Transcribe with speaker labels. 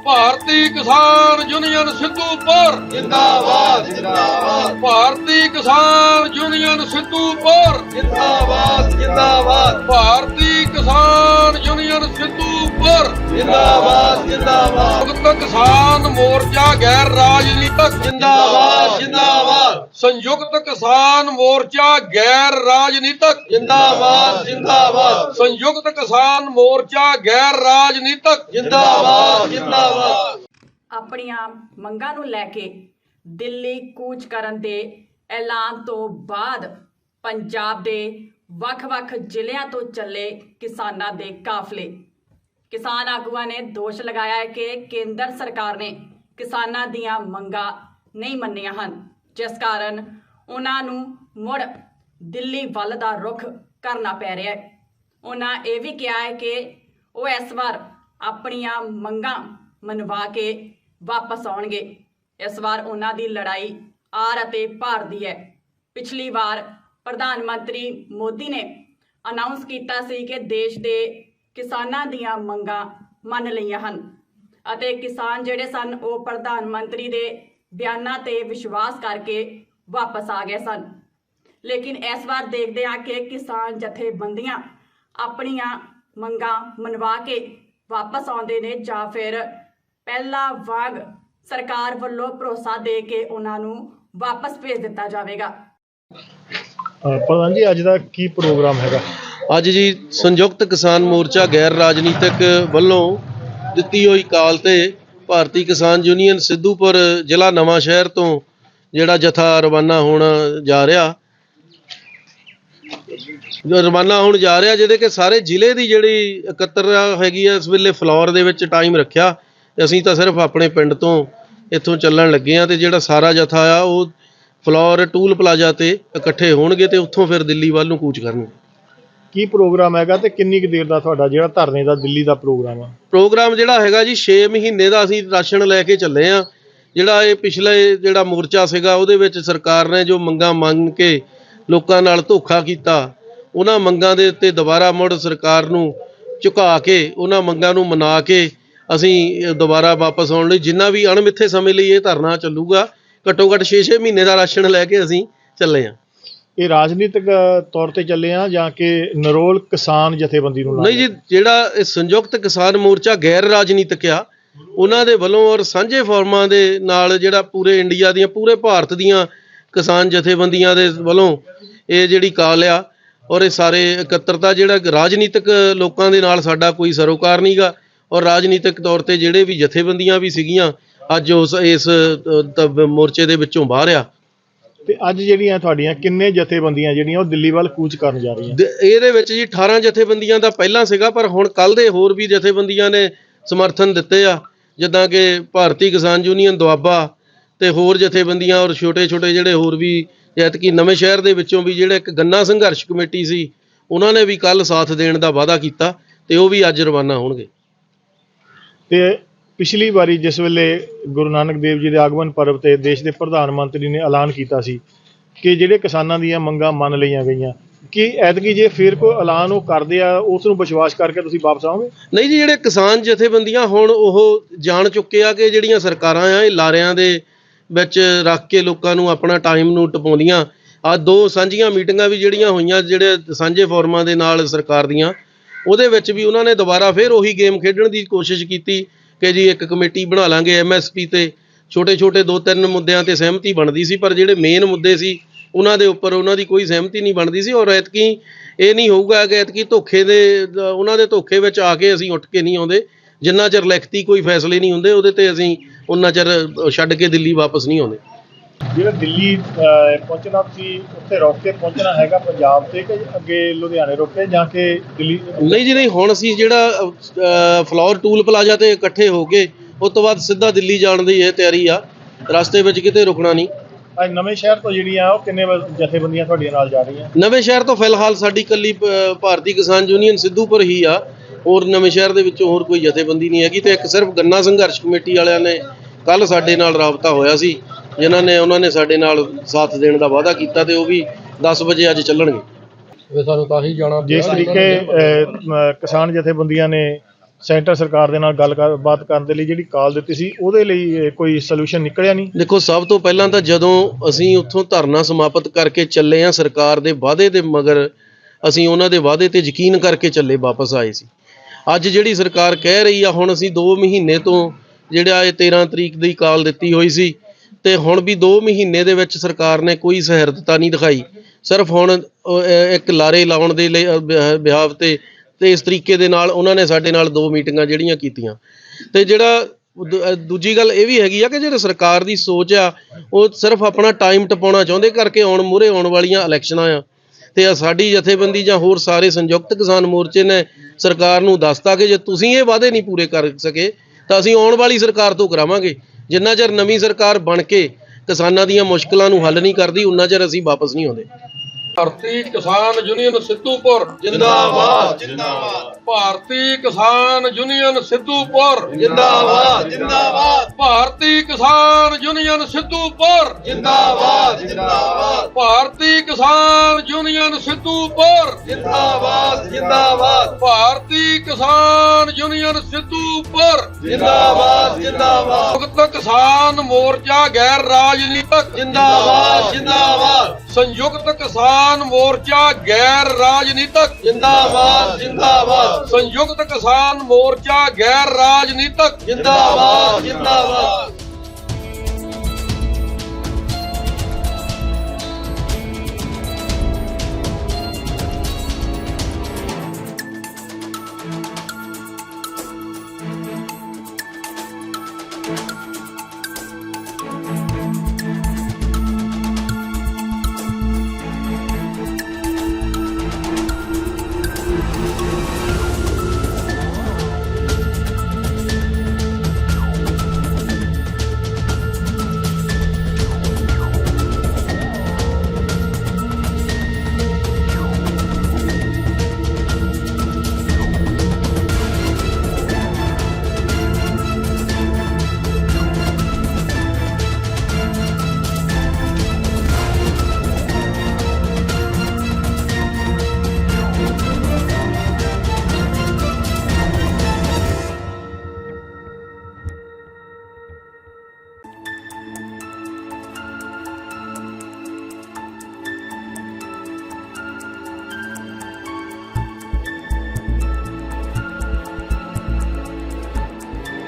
Speaker 1: ਭਾਰਤੀ ਕਿਸਾਨ ਯੂਨੀਅਨ ਸਿੱਧੂਪੁਰ
Speaker 2: ਜਿੰਦਾਬਾਦ ਜਿੰਦਾਬਾਦ
Speaker 1: ਭਾਰਤੀ ਕਿਸਾਨ ਯੂਨੀਅਨ ਸਿੱਧੂਪੁਰ
Speaker 2: ਜਿੰਦਾਬਾਦ ਜਿੰਦਾਬਾਦ
Speaker 1: ਭਾਰਤੀ ਕਿਸਾਨ ਯੂਨੀਅਨ ਸਿੱਧੂਪੁਰ
Speaker 2: ਜਿੰਦਾਬਾਦ ਜਿੰਦਾਬਾਦ
Speaker 1: ਸੰਯੁਕਤ ਕਿਸਾਨ ਮੋਰਚਾ ਗੈਰ ਰਾਜਨੀਤਿਕ
Speaker 2: ਜਿੰਦਾਬਾਦ ਜਿੰਦਾਬਾਦ
Speaker 1: ਸੰਯੁਕਤ ਕਿਸਾਨ ਮੋਰਚਾ ਗੈਰ ਰਾਜਨੀਤਿਕ
Speaker 2: ਜਿੰਦਾਬਾਦ ਜਿੰਦਾਬਾਦ
Speaker 1: ਸੰਯੁਕਤ ਕਿਸਾਨ ਮੋਰਚਾ ਗੈਰ ਰਾਜਨੀਤਿਕ
Speaker 2: ਜਿੰਦਾਬਾਦ ਜਿੰਦਾਬਾਦ
Speaker 3: ਆਪਣੀਆਂ ਮੰਗਾਂ ਨੂੰ ਲੈ ਕੇ ਦਿੱਲੀ ਕੂਚ ਕਰਨ ਦੇ ਐਲਾਨ ਤੋਂ ਬਾਅਦ ਪੰਜਾਬ ਦੇ ਵੱਖ-ਵੱਖ ਜ਼ਿਲ੍ਹਿਆਂ ਤੋਂ ਚੱਲੇ ਕਿਸਾਨਾਂ ਦੇ ਕਾਫਲੇ। ਕਿਸਾਨ ਆਗੂਆਂ ਨੇ ਦੋਸ਼ ਲਗਾਇਆ ਹੈ ਕਿ ਕੇਂਦਰ ਸਰਕਾਰ ਨੇ ਕਿਸਾਨਾਂ ਦੀਆਂ ਮੰਗਾਂ ਨਹੀਂ ਮੰਨੀਆਂ ਹਨ, ਜਿਸ ਕਾਰਨ ਉਹਨਾਂ ਨੂੰ ਮੁੜ ਦਿੱਲੀ ਵੱਲ ਦਾ ਰੁਖ ਕਰਨਾ ਪੈ ਰਿਹਾ ਹੈ। ਉਹਨਾਂ ਇਹ ਵੀ ਕਿਹਾ ਹੈ ਕਿ ਉਹ ਇਸ ਵਾਰ ਆਪਣੀਆਂ ਮੰਗਾਂ ਮਨਵਾ ਕੇ ਵਾਪਸ ਆਉਣਗੇ। ਇਸ ਵਾਰ ਉਹਨਾਂ ਦੀ ਲੜਾਈ ਆਰ ਅਤੇ ਪਾਰ ਦੀ ਹੈ। ਪਿਛਲੀ ਵਾਰ ਪ੍ਰਧਾਨ ਮੰਤਰੀ ਮੋਦੀ ਨੇ ਅਨਾਉਂਸ ਕੀਤਾ ਸੀ ਕਿ ਦੇਸ਼ ਦੇ ਕਿਸਾਨਾਂ ਦੀਆਂ ਮੰਗਾਂ ਮੰਨ ਲਈਆਂ ਹਨ ਅਤੇ ਕਿਸਾਨ ਜਿਹੜੇ ਸਨ ਉਹ ਪ੍ਰਧਾਨ ਮੰਤਰੀ ਦੇ ਬਿਆਨਾਂ ਤੇ ਵਿਸ਼ਵਾਸ ਕਰਕੇ ਵਾਪਸ ਆ ਗਏ ਸਨ। ਲੇਕਿਨ ਇਸ ਵਾਰ ਦੇਖਦੇ ਹਾਂ ਕਿ ਕਿਸਾਨ ਜਥੇਬੰਦੀਆਂ ਆਪਣੀਆਂ ਮੰਗਾਂ ਮਨਵਾ ਕੇ ਵਾਪਸ ਆਉਂਦੇ ਨੇ ਜਾਂ ਫਿਰ ਪਹਿਲਾਂ ਵਾਂਗ ਸਰਕਾਰ ਵੱਲੋਂ ਭਰੋਸਾ ਦੇ ਕੇ ਉਹਨਾਂ ਨੂੰ ਵਾਪਸ ਭੇਜ ਦਿੱਤਾ ਜਾਵੇਗਾ।
Speaker 4: ਪ੍ਰਧਾਨ ਜੀ, ਅੱਜ ਦਾ ਕੀ ਪ੍ਰੋਗਰਾਮ ਹੈਗਾ?
Speaker 5: ਅੱਜ ਜੀ ਸੰਯੁਕਤ ਕਿਸਾਨ ਮੋਰਚਾ ਗੈਰ ਰਾਜਨੀਤਿਕ ਵੱਲੋਂ ਦਿੱਤੀ ਹੋਈ ਕਾਲ ਤੇ ਭਾਰਤੀ ਕਿਸਾਨ ਯੂਨੀਅਨ ਸਿੱਧੂਪੁਰ ਜ਼ਿਲ੍ਹਾ ਨਵਾਂ ਸ਼ਹਿਰ ਤੋਂ ਜਿਹੜਾ ਜਥਾ ਰਵਾਨਾ ਹੋਣ ਜਾ ਰਿਹਾ ਜਿਹਦੇ ਕਿ ਸਾਰੇ ਜ਼ਿਲ੍ਹੇ ਦੀ ਜਿਹੜੀ ਇਕੱਤਰਤਾ ਹੈਗੀ ਆ ਇਸ ਵੇਲੇ ਫਲੋਰ ਦੇ ਵਿੱਚ ਟਾਈਮ ਰੱਖਿਆ। ਅਸੀਂ ਤਾਂ ਸਿਰਫ ਆਪਣੇ ਪਿੰਡ ਤੋਂ ਇੱਥੋਂ ਚੱਲਣ ਲੱਗੇ ਆ ਤੇ ਜਿਹੜਾ ਸਾਰਾ ਜਥਾ ਆ ਉਹ ਫਲੋਰ ਟੂਲ ਪਲਾਜ਼ਾ ਤੇ ਇਕੱਠੇ ਹੋਣਗੇ ਤੇ ਉੱਥੋਂ ਫਿਰ ਦਿੱਲੀ ਵੱਲ ਨੂੰ ਕੂਚ ਕਰਨਗੇ।
Speaker 4: ਕੀ ਪ੍ਰੋਗਰਾਮ ਹੈਗਾ ਤੇ ਕਿੰਨੀ ਕੁ ਦੇਰ ਦਾ ਤੁਹਾਡਾ ਜਿਹੜਾ ਧਰਨੇ ਦਾ ਦਿੱਲੀ ਦਾ ਪ੍ਰੋਗਰਾਮ ਆ?
Speaker 5: ਪ੍ਰੋਗਰਾਮ ਜਿਹੜਾ ਹੈਗਾ ਜੀ 6 ਮਹੀਨੇ ਦਾ ਅਸੀਂ ਰਾਸ਼ਨ ਲੈ ਕੇ ਚੱਲੇ ਆ। ਜਿਹੜਾ ਇਹ ਪਿਛਲੇ ਜਿਹੜਾ ਮੋਰਚਾ ਸੀਗਾ ਉਹਦੇ ਵਿੱਚ ਸਰਕਾਰ ਨੇ ਜੋ ਮੰਗਾਂ ਮੰਗ ਕੇ ਲੋਕਾਂ ਨਾਲ ਧੋਖਾ ਕੀਤਾ, ਉਹਨਾਂ ਮੰਗਾਂ ਦੇ ਉੱਤੇ ਦੁਬਾਰਾ ਮੁੜ ਸਰਕਾਰ ਨੂੰ ਝੁਕਾ ਕੇ ਉਹਨਾਂ ਮੰਗਾਂ ਨੂੰ ਮਨਾ ਕੇ ਅਸੀਂ ਦੁਬਾਰਾ ਵਾਪਸ ਆਉਣ ਲਈ ਜਿੰਨਾ ਵੀ ਅਣਮਿੱਥੇ ਸਮੇਂ ਲਈ ਇਹ ਧਰਨਾ ਚੱਲੂਗਾ। ਘੱਟੋ ਘੱਟ 6-6 ਮਹੀਨੇ ਦਾ ਰਾਸ਼ਨ ਲੈ ਕੇ ਅਸੀਂ ਚੱਲੇ ਆ।
Speaker 4: ਇਹ ਰਾਜਨੀਤਿਕ ਤੌਰ ਤੇ ਚੱਲੇ ਆ ਜਾਂ ਕਿ ਨਰੋਲ ਕਿਸਾਨ ਜਥੇਬੰਦੀ ਨੂੰ?
Speaker 5: ਨਹੀਂ ਜੀ, ਜਿਹੜਾ ਇਹ ਸੰਯੁਕਤ ਕਿਸਾਨ ਮੋਰਚਾ ਗੈਰ ਰਾਜਨੀਤਿਕ ਆ ਉਹਨਾਂ ਦੇ ਵੱਲੋਂ ਔਰ ਸਾਂਝੇ ਫੋਰਮਾਂ ਦੇ ਨਾਲ ਜਿਹੜਾ ਪੂਰੇ ਇੰਡੀਆ ਦੀਆਂ ਪੂਰੇ ਭਾਰਤ ਦੀਆਂ ਕਿਸਾਨ ਜਥੇਬੰਦੀਆਂ ਦੇ ਵੱਲੋਂ ਇਹ ਜਿਹੜੀ ਕਾਲ ਆ ਔਰ ਇਹ ਸਾਰੇ ਇਕੱਤਰਤਾ ਜਿਹੜਾ ਰਾਜਨੀਤਿਕ ਲੋਕਾਂ ਦੇ ਨਾਲ ਸਾਡਾ ਕੋਈ ਸਰੋਕਾਰ ਨਹੀਂ ਗਾ ਔਰ ਰਾਜਨੀਤਿਕ ਤੌਰ ਤੇ ਜਿਹੜੇ ਵੀ ਜਥੇਬੰਦੀਆਂ ਵੀ ਸੀਗੀਆਂ ਅੱਜ ਇਸ ਮੋਰਚੇ ਦੇ ਵਿੱਚੋਂ ਬਾਹਰ ਆ।
Speaker 4: ਤੇ ਅੱਜ ਜਿਹੜੀਆਂ ਤੁਹਾਡੀਆਂ ਕਿੰਨੇ ਜਥੇਬੰਦੀਆਂ ਜਿਹੜੀਆਂ ਉਹ ਦਿੱਲੀ ਵੱਲ ਕੂਚ ਕਰਨ ਜਾ ਰਹੀਆਂ?
Speaker 5: ਇਹਦੇ ਵਿੱਚ ਜੀ 18 ਜਥੇਬੰਦੀਆਂ ਦਾ ਪਹਿਲਾਂ ਸੀਗਾ, ਪਰ ਹੁਣ ਕੱਲ ਦੇ ਹੋਰ ਵੀ ਜਥੇਬੰਦੀਆਂ ਨੇ ਸਮਰਥਨ ਦਿੱਤੇ ਆ, ਜਿੱਦਾਂ ਕਿ ਭਾਰਤੀ ਕਿਸਾਨ ਯੂਨੀਅਨ ਦੁਆਬਾ ਤੇ ਹੋਰ ਜਥੇਬੰਦੀਆਂ ਔਰ ਛੋਟੇ ਜਿਹੜੇ ਹੋਰ ਵੀ ਐਤਕੀ ਨਵੇਂ ਸ਼ਹਿਰ ਦੇ ਵਿੱਚੋਂ ਵੀ ਜਿਹੜਾ ਇੱਕ ਗੰਨਾ ਸੰਘਰਸ਼ ਕਮੇਟੀ ਸੀ ਉਹਨਾਂ ਨੇ ਵੀ ਕੱਲ ਸਾਥ ਦੇਣ ਦਾ ਵਾਅਦਾ ਕੀਤਾ ਤੇ ਉਹ ਵੀ ਅੱਜ ਰਵਾਨਾ ਹੋਣਗੇ।
Speaker 4: ਤੇ ਪਿਛਲੀ ਵਾਰੀ ਜਿਸ ਵੇਲੇ ਗੁਰੂ ਨਾਨਕ ਦੇਵ ਜੀ ਦੇ ਆਗਮਨ ਪਰਵ ਤੇ ਦੇਸ਼ ਦੇ ਪ੍ਰਧਾਨ ਮੰਤਰੀ ਨੇ ਐਲਾਨ ਕੀਤਾ ਸੀ ਕਿ ਜਿਹੜੇ ਕਿਸਾਨਾਂ ਦੀਆਂ ਮੰਗਾਂ ਮੰਨ ਲਈਆਂ ਗਈਆਂ, ਕਿ ਐਤਕੀ ਜੇ ਫਿਰ ਕੋਈ ਐਲਾਨ ਉਹ ਕਰਦੇ ਆ ਉਸ ਨੂੰ ਵਿਸ਼ਵਾਸ ਕਰਕੇ ਤੁਸੀਂ ਵਾਪਸ ਆਓਗੇ?
Speaker 5: ਨਹੀਂ ਜੀ, ਜਿਹੜੇ ਕਿਸਾਨ ਜਥੇਬੰਦੀਆਂ ਹੁਣ ਉਹ ਜਾਣ ਚੁੱਕੇ ਆ ਕਿ ਜਿਹੜੀਆਂ ਸਰਕਾਰਾਂ ਆ ਇਹ ਲਾਰਿਆਂ ਦੇ ਵਿੱਚ ਰੱਖ ਕੇ ਲੋਕਾਂ ਨੂੰ ਆਪਣਾ ਟਾਈਮ ਨੂੰ ਟਪਾਉਂਦੀਆਂ। ਆ 2 ਸਾਂਝੀਆਂ ਮੀਟਿੰਗਾਂ ਵੀ ਜਿਹੜੀਆਂ ਹੋਈਆਂ ਜਿਹੜੇ ਸਾਂਝੇ ਫੋਰਮਾਂ ਦੇ ਨਾਲ ਸਰਕਾਰ ਦੀਆਂ, ਉਹਦੇ ਵਿੱਚ ਵੀ ਉਹਨਾਂ ਨੇ ਦੁਬਾਰਾ ਫਿਰ ਉਹੀ ਗੇਮ ਖੇਡਣ ਦੀ ਕੋਸ਼ਿਸ਼ ਕੀਤੀ ਕਿ ਜੀ ਇੱਕ ਕਮੇਟੀ ਬਣਾ ਲਾਂਗੇ MSP ਤੇ ਛੋਟੇ 2-3 ਮੁੱਦਿਆਂ ਤੇ ਸਹਿਮਤੀ ਬਣਦੀ ਸੀ, ਪਰ ਜਿਹੜੇ ਮੇਨ ਮੁੱਦੇ ਸੀ ਉਹਨਾਂ ਦੇ ਉੱਪਰ ਉਹਨਾਂ ਦੀ ਕੋਈ ਸਹਿਮਤੀ ਨਹੀਂ ਬਣਦੀ ਸੀ। ਔਰ ਐਤਕੀ ਇਹ ਨਹੀਂ ਹੋਊਗਾ ਕਿ ਐਤਕੀ ਉਹਨਾਂ ਦੇ ਧੋਖੇ ਵਿੱਚ ਆ ਕੇ ਅਸੀਂ ਉੱਠ ਕੇ ਨਹੀਂ ਆਉਂਦੇ। ਜਿੰਨਾ ਚਿਰ ਲਿਖਤੀ ਕੋਈ ਫੈਸਲੇ ਨਹੀਂ ਹੁੰਦੇ ਉਹਦੇ ਤੇ ਅਸੀਂ ਉਹਨਾਂ ਚਿਰ ਛੱਡ ਕੇ ਦਿੱਲੀ ਵਾਪਸ ਨਹੀਂ ਆਉਂਦੇ।
Speaker 4: ਜਿਹੜਾ ਦਿੱਲੀ ਪਹੁੰਚਣਾ ਤੁਸੀਂ ਉੱਥੇ ਰੁਕ ਕੇ ਪਹੁੰਚਣਾ ਹੈਗਾ ਪੰਜਾਬ ਤੇ ਕਿ ਅੱਗੇ ਲੁਧਿਆਣੇ ਰੁਕ ਕੇ ਜਾਂ ਕਿ ਦਿੱਲੀ?
Speaker 5: ਨਹੀਂ ਜੀ, ਨਹੀਂ, ਹੁਣ ਅਸੀਂ ਜਿਹੜਾ ਫਲੋਰ ਟੂਲ ਪਲਾਜ਼ਾ ਤੇ ਇਕੱਠੇ ਹੋ ਕੇ ਉਸ ਤੋਂ ਬਾਅਦ ਸਿੱਧਾ ਦਿੱਲੀ ਜਾਣ ਦੀ ਇਹ ਤਿਆਰੀ ਆ, ਰਸਤੇ ਵਿੱਚ ਕਿਤੇ ਰੁਕਣਾ ਨਹੀਂ।
Speaker 4: ਅੱਜ ਨਵੇਂ ਸ਼ਹਿਰ ਤੋਂ ਜਿਹੜੀਆਂ ਉਹ ਕਿੰਨੇ ਜਥੇਬੰਦੀਆਂ ਤੁਹਾਡੀਆਂ ਨਾਲ ਜਾ ਰਹੀਆਂ?
Speaker 5: ਨਵੇਂ ਸ਼ਹਿਰ ਤੋਂ ਫਿਲਹਾਲ ਸਾਡੀ ਇਕੱਲੀ ਭਾਰਤੀ ਕਿਸਾਨ ਯੂਨੀਅਨ ਸਿੱਧੂਪੁਰ ਹੀ ਆ, ਹੋਰ ਨਵੇਂ ਸ਼ਹਿਰ ਦੇ ਵਿੱਚੋਂ ਹੋਰ ਕੋਈ ਜਥੇਬੰਦੀ ਨਹੀਂ ਹੈਗੀ। ਤੇ ਇੱਕ ਸਿਰਫ ਗੰਨਾ ਸੰਘਰਸ਼ ਕਮੇਟੀ ਵਾਲਿਆਂ ਨੇ ਕੱਲ ਸਾਡੇ ਨਾਲ ਰਾਬਤਾ ਹੋਇਆ ਸੀ, ਉਹਨਾਂ ਨੇ ਸਾਡੇ ਨਾਲ ਸਾਥ ਦੇਣ ਦਾ ਵਾਅਦਾ ਕੀਤਾ ਤੇ ਉਹ ਵੀ 10 ਵਜੇ ਅੱਜ ਚੱਲਣਗੇ।
Speaker 1: ਸਾਨੂੰ ਤਾਂ ਹੀ ਜਾਣਾ।
Speaker 4: ਜਿਸ ਤਰੀਕੇ ਕਿਸਾਨ ਜਥੇਬੰਦੀਆਂ ਨੇ ਸੈਂਟਰ ਸਰਕਾਰ ਦੇ ਨਾਲ ਗੱਲਬਾਤ ਕਰਨ ਦੇ ਲਈ ਜਿਹੜੀ ਕਾਲ ਦਿੱਤੀ ਸੀ, ਉਹਦੇ ਲਈ ਕੋਈ ਸੋਲੂਸ਼ਨ ਨਿਕਲਿਆ ਨਹੀਂ?
Speaker 5: ਦੇਖੋ, ਸਭ ਤੋਂ ਪਹਿਲਾਂ ਤਾਂ ਜਦੋਂ ਅਸੀਂ ਉੱਥੋਂ ਧਰਨਾ ਸਮਾਪਤ ਕਰਕੇ ਚੱਲੇ ਆ, ਸਰਕਾਰ ਦੇ ਵਾਅਦੇ ਦੇ ਮਗਰ ਅਸੀਂ ਉਹਨਾਂ ਦੇ ਵਾਅਦੇ ਤੇ ਯਕੀਨ ਕਰਕੇ ਚੱਲੇ ਵਾਪਸ ਆਏ ਸੀ। ਅੱਜ ਜਿਹੜੀ ਸਰਕਾਰ ਕਹਿ ਰਹੀ ਆ, ਹੁਣ ਅਸੀਂ 2 ਮਹੀਨੇ ਤੋਂ ਜਿਹੜਾ ਇਹ 13 ਤਰੀਕ ਦੀ ਕਾਲ ਦਿੱਤੀ ਹੋਈ ਸੀ ਤੇ ਹੁਣ ਵੀ 2 ਮਹੀਨੇ ਦੇ ਵਿੱਚ ਸਰਕਾਰ ਨੇ ਕੋਈ ਸਹਿਰਦਤਾ ਨਹੀਂ ਦਿਖਾਈ। ਸਿਰਫ ਹੁਣ ਇੱਕ ਲਾਰੇ ਲਾਉਣ ਦੇ ਲਈ ਬਿਹਾਵ ਤੇ ਇਸ ਤਰੀਕੇ ਦੇ ਨਾਲ ਉਹਨਾਂ ਨੇ ਸਾਡੇ ਨਾਲ 2 ਮੀਟਿੰਗਾਂ ਜਿਹੜੀਆਂ ਕੀਤੀਆਂ। ਤੇ ਜਿਹੜਾ ਦੂਜੀ ਗੱਲ ਇਹ ਵੀ ਹੈਗੀ ਆ ਕਿ ਜਿਹੜੇ ਸਰਕਾਰ ਦੀ ਸੋਚ ਆ, ਉਹ ਸਿਰਫ ਆਪਣਾ ਟਾਈਮ ਟਪਾਉਣਾ ਚਾਹੁੰਦੇ ਕਰਕੇ ਮੂਹਰੇ ਆਉਣ ਵਾਲੀਆਂ ਇਲੈਕਸ਼ਨਾਂ ਆ ਤੇ ਸਾਡੀ ਜਥੇਬੰਦੀ ਜਾਂ ਹੋਰ ਸਾਰੇ ਸੰਯੁਕਤ ਕਿਸਾਨ ਮੋਰਚੇ ਨੇ ਸਰਕਾਰ ਨੂੰ ਦੱਸਤਾ ਕਿ ਜੇ ਤੁਸੀਂ ਇਹ ਵਾਅਦੇ ਨਹੀਂ ਪੂਰੇ ਕਰ ਸਕੇ ਤਾਂ ਅਸੀਂ ਆਉਣ ਵਾਲੀ ਸਰਕਾਰ ਤੋਂ ਕਰਾਵਾਂਗੇ। ਜਿੰਨਾ ਚਿਰ ਨਵੀਂ ਸਰਕਾਰ ਬਣ ਕੇ ਕਿਸਾਨਾਂ ਦੀਆਂ ਮੁਸ਼ਕਲਾਂ ਨੂੰ ਹੱਲ ਨਹੀਂ ਕਰਦੀ, ਉਨਾ ਚਿਰ ਅਸੀਂ ਵਾਪਸ ਨਹੀਂ ਆਉਂਦੇ।
Speaker 1: ਭਾਰਤੀ ਕਿਸਾਨ ਯੂਨੀਅਨ ਸਿੱਧੂਪੁਰ
Speaker 2: ਜਿੰਦਾਬਾਦ ਜਿੰਦਾਬਾਦ
Speaker 1: ਭਾਰਤੀ ਕਿਸਾਨ ਯੂਨੀਅਨ ਸਿੱਧੂਪੁਰ
Speaker 2: ਜਿੰਦਾਬਾਦ ਜਿੰਦਾਬਾਦ
Speaker 1: ਭਾਰਤੀ ਕਿਸਾਨ ਯੂਨੀਅਨ ਸਿੱਧੂਪੁਰ
Speaker 2: ਜਿੰਦਾਬਾਦ ਜਿੰਦਾਬਾਦ
Speaker 1: ਭਾਰਤੀ ਕਿਸਾਨ ਯੂਨੀਅਨ ਸਿੱਧੂਪੁਰ
Speaker 2: ਜਿੰਦਾਬਾਦ ਜਿੰਦਾਬਾਦ
Speaker 1: ਭਾਰਤੀ ਕਿਸਾਨ ਯੂਨੀਅਨ ਸਿੱਧੂਪੁਰ
Speaker 2: ਜਿੰਦਾਬਾਦ ਜਿੰਦਾਬਾਦ
Speaker 1: ਸੰਯੁਕਤ ਕਿਸਾਨ ਮੋਰਚਾ ਗੈਰ ਰਾਜਨੀਤਿਕ
Speaker 2: ਜਿੰਦਾਬਾਦ ਜਿੰਦਾਬਾਦ
Speaker 1: ਸੰਯੁਕਤ ਕਿਸਾਨ ਮੋਰਚਾ ਗੈਰ ਰਾਜਨੀਤਿਕ
Speaker 2: ਜਿੰਦਾਬਾਦ ਜਿੰਦਾਬਾਦ
Speaker 1: ਸੰਯੁਕਤ ਕਿਸਾਨ ਮੋਰਚਾ ਗੈਰ ਰਾਜਨੀਤਿਕ
Speaker 2: ਜਿੰਦਾਬਾਦ ਜਿੰਦਾਬਾਦ